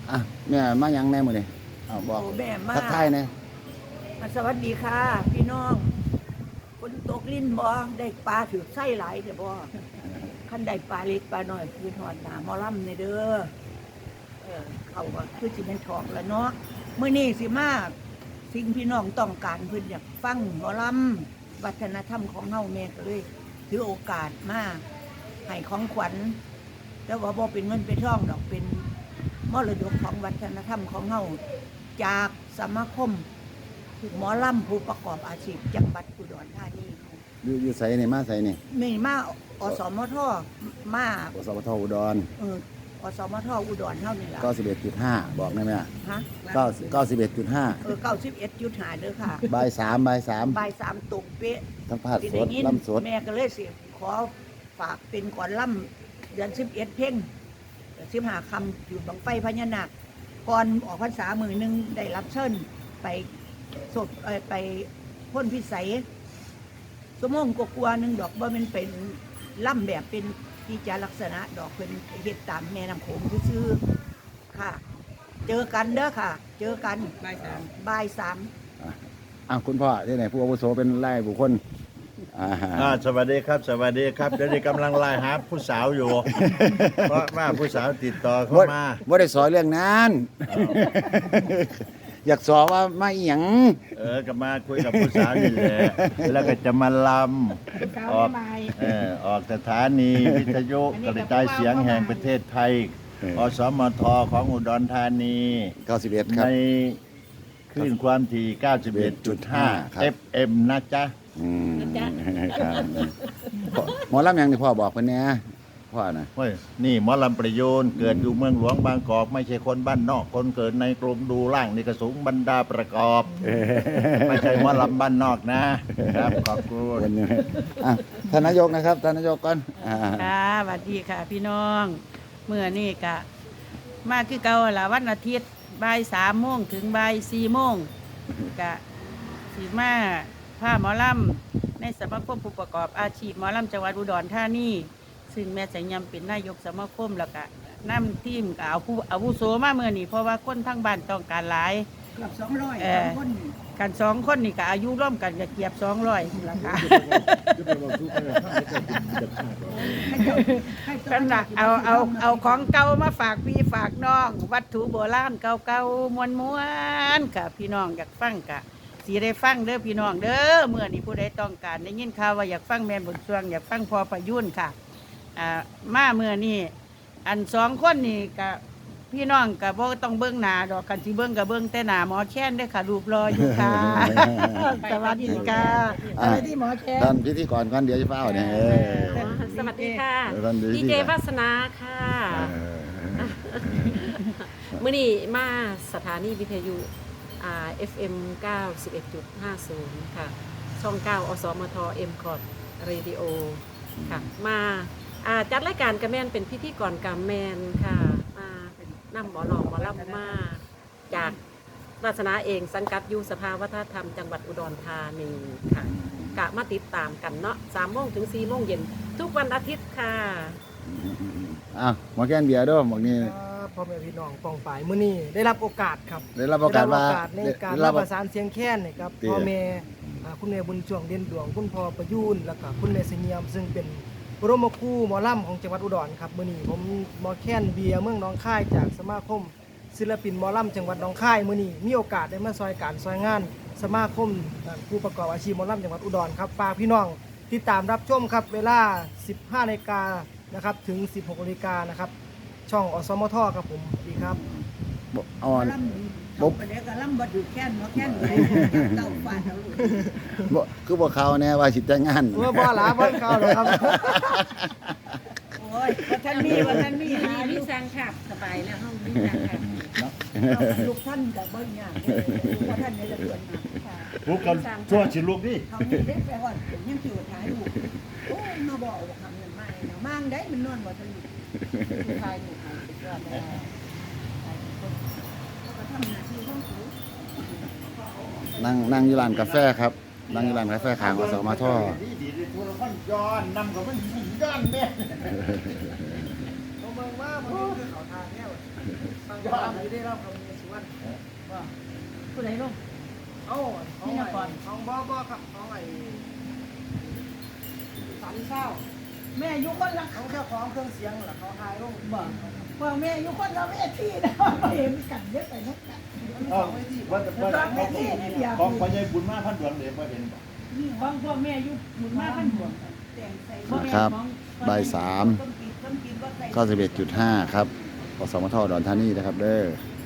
อ่ะแม่มายังแน่มื้อนี้อ้าวบอกแม่มาทักทายแน่สวัสดีค่ะ พี่น้องคนตกลิ้นบ่ได้ปลาถือไส้หลายแต่บ่คันได้ปลาเล็กปลาน้อยคือทอดหน้าหมอลำในเด้อเขาก็คือสิเป็นทองแล้วเนาะมื้อนี้สิมาสิ่งพี่น้องต้องการเพิ่นอยากฟังหมอลำวัฒนธรรมของเฮาแม่ก็เลยถือโอกาสมาให้ของขวัญแต่ว่าบ่เป็นเงินเป็นทองดอกเป็นมรดกของวัฒนธรรมของเฮาจากสมาคมหมอลำผู้ประกอบอาชีพจังหวัดอุดรธานีอยู่ไสนี่มาไสนี่มีมาอสมทมาอสมทอุดรอสมทอุดรเท่านี้ล่ะ 91.5บอกได้ไหมฮะ 91.5 91.5เด้อค่ะบ่าย3บ่าย3 บ่าย3ตกเป๊ะสัมภาษณ์สดลำสดแม่ก็เลยสิขอฝากเป็นก่อนลำเดือน11เพ่ง15คำอยู่บังไฟพญานาคก่อนออกพรรษามื้อนึงได้รับเชิญไปสดไปพ่นพิสัยสมงกกลัวนึงดอกบ่แม่นเป็นล่ำแบบเป็นกิจลักษณะดอกเป็นเฮ็ดตามแม่น้ำโขงซื่อๆค่ะ เจอกันเด้อค่ะ เจอกันบ่ายสามคุณพ่อที่ไหนผู้อาวุโสเป็นไล่บุคคลสวัสดีครับสวัสดีครับเดี๋ยวนี้กำลังไล่หาผู้สาวอยู่ เพราะว่าผู้สาวติดต่อเข้ามาว่าได้สอนเรื่องนั้นอยากสอนว่ามาอีหยังก็มาคุยกับผู้สาวนี่แหละแล้วก็จะมาลำออกสถานีวิทยุกระจายเสียงแห่งประเทศไทยอสมทของอุดรธานี 91ครับในคลื่นความถี่ 91.5 FM นะจ๊ะหมอลำอย่างที่พ่อบอกเพิ่นแน่พ่อนะเฮ้ยนี่หมอลำประโยชน์เกิดอยู่เมืองหลวงบางกอกไม่ใช่คนบ้านนอกคนเกิดในกรุงดูล่างนี่กระสูงบรรดาประกอบไม่ใช่หมอลำบ้านนอกนะครับขอบคุณท่านนายกนะครับท่านนายกก่อนค่ะสวัสดีค่ะพี่น้องเมื่อนี่กะมาคือเก่าละวันอาทิตย์บ่าย3 โมงถึงบ่าย4 โมงกะสีมาผ้าหมอลำในสมาคมผู้ประกอบอาชีพหมอลำจังหวัดอุดรธานีซึ่งแม่สัญญำเป็นนายกสมาคมแล้วก็นำทีมกับเอาผู้อาวุโสมาเมื่อนี่เพราะว่าคนทั้งบ้านต้องการหลายเกือบ200คนกัน2 คนนี่ก็อายุร่วมกันก็เกือบ200แล้วค่ะกันละเอาของเก่ามาฝากพี่ฝากน้องวัตถุโบราณเก่าๆม้วนๆกับพี่น้องอยากฟังกะสีได้ฟังเด้อพี่น้องเด้อเมื่อนี้ผู้ใดต้องการได้ยินข่าวว่าอยากฟังแม่บุญช่วงอยากฟังพอประยุ่นค่ะมาเมื่อนี้อัน2 คนนี่กับพี่น้องกับบ่ต้องเบิ้งหน้าดอกกันสิเบิ้งกับเบิ้งแต่หน้าหมอแค้นเด้อค่ะรูปรออยู่ค่ะสวัสดีค่ะสวัสดีหมอแค้นท่านพิธีกรก่อนเดี๋ยวจะเฝ้าเนี่ยสวัสดีค่ะดีเจวาสนาค่ะมื้อนี้มาสถานีวิทยุFM 91.50 ค่ะช่อง 9 อสมท M คอร์ดเรดิโอค่ะมาจัดรายการกระแมนเป็นพิธีกรกระแมนค่ะมานำหมอหลอกหมอลำมาจากวาสนาเองสังกัดอยู่สภาวัฒนธรรมจังหวัดอุดรธานีค่ะกะมาติดตามกันเนาะ3 โมงถึง 4 โมงเย็นทุกวันอาทิตย์ค่ะหมอแก้นเบียร์ด้วยบอกนี่พ่อแม่พี่น้องปองฝ่ายมื้อนี้ได้รับโอกาสครับได้รับโอกาสในการรับประสานเสียงแค้นนะครับพ่อแม่คุณแม่บุญช่วงเด่นดวงคุณพ่อประยูนแล้วก็คุณแม่เสงี่ยมซึ่งเป็นบรมครูหมอลำของจังหวัดอุดรครับมื้อนี้ผมหมอแค้นเบียร์เมืองหนองคายจากสมาคมศิลปินหมอลำจังหวัดหนองคายมื้อนี้มีโอกาสได้มาซอยการซอยงานสมาคมผู้ประกอบอาชีพหมอลำจังหวัดอุดรครับฝากพี่น้องติดตามรับชมครับเวลา 15 นาฬิกานะครับถึง 16 นาฬิกานะครับช่องอสมทครับผมดีครับบ่ไปแล้วก็ลำบ่ดูแค้นหมอแค้นเลยเต่าฟาดเอาลูกคือบ่เขาแน่ว่าสิแต่งงานบ่หลาบ่เขาหรอกครับโอ้ยว่าท่านมีหามีสังขับสบายแล้วห้องมีสังขับลูกท่านก็บ่ยากว่าท่านนี่ละเกินค่ะลูกกันชั่วสิลูกดิเฮานี่ได้ไปฮอดยังสิว่าถ่ายรูปโอ้ยมาบอกว่าทำนั่นมาเนาะมั่งได้มันนอนบ่ทันถ่ายรูปสุดยอดเลยนั่งอยู่ร้านกาแฟครับนั่งอยู่ร้านกาแฟข้างอสมทย้อนนำกับมันย้อนแม่เมืองว่ามันคือเขาทางแน่ฟังหมอลำอยู่ได้รับคำเนสุวรรณว่าผู้ใดลงเอ้าของไอ้ของบ่ครับของไอ้สันเศร้าแม่อยู่คนละของเจ้าของเครื่องเสียงล่ะเขาทายลงบ่ว่าแม่อยู่คนละเวทีนะเห็นกันเยอะไปนักกันเอ้าว่าของพ่อใหญ่บุญมาพันดวงเดี๋ยวบ่เห็นบ่นี่ของพวกแม่อยู่หมุนมาพันหัวแต่งใส่นะครับบ่าย3 91.5 ครับอสมทอุดรธานีนะครับเด้อ